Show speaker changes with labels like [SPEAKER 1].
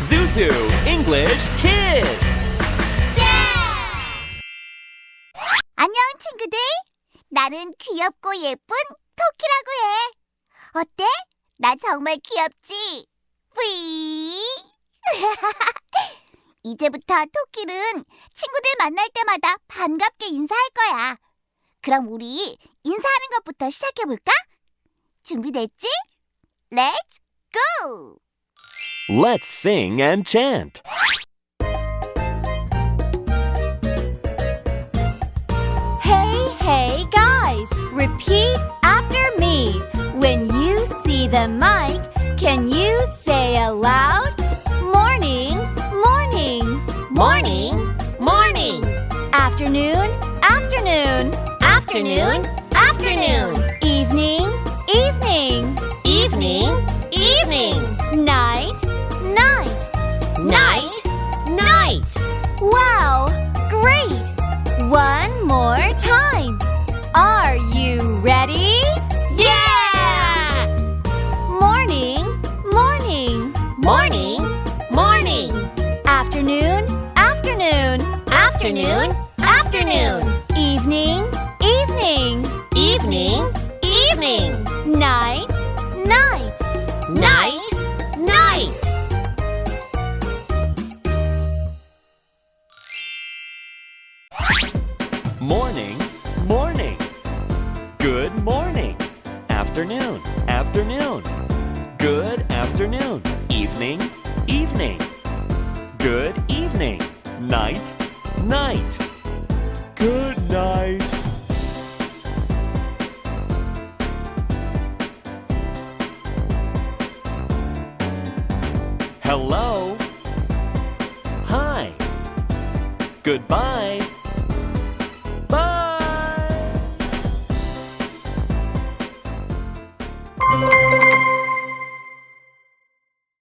[SPEAKER 1] Zuthu English Kids!
[SPEAKER 2] 안녕, 친구들. 나는 귀엽고 예쁜 토끼라고 해. 어때? 나 정말 귀엽지? 뿌이! 이제부터 토끼는 친구들 만날 때마다 반갑게 인사할 거야. 그럼 우리 인사하는 것부터 시작해볼까? 준비됐지? Let's go!
[SPEAKER 1] Let's sing and chant.
[SPEAKER 3] Hey guys, repeat after me. When you see the mic, can you say aloud? Morning, morning.
[SPEAKER 4] Morning, morning.
[SPEAKER 3] Afternoon, afternoon.
[SPEAKER 4] Afternoon, afternoon.
[SPEAKER 3] Evening, evening.
[SPEAKER 4] Evening, evening.
[SPEAKER 3] Night, night.
[SPEAKER 4] Night, night.
[SPEAKER 3] Wow, great! One more time. Are you ready?
[SPEAKER 4] Yeah!
[SPEAKER 3] Morning, morning.
[SPEAKER 4] Morning, morning.
[SPEAKER 3] Afternoon, afternoon.
[SPEAKER 4] Afternoon, afternoon.
[SPEAKER 3] Evening, evening.
[SPEAKER 4] Evening, evening.
[SPEAKER 3] Night, night.
[SPEAKER 4] Night, night.
[SPEAKER 1] Morning, morning. Good morning. Afternoon, afternoon. Good afternoon. Evening, evening. Good evening. Night, night. Good night. Hello. Hi. Goodbye.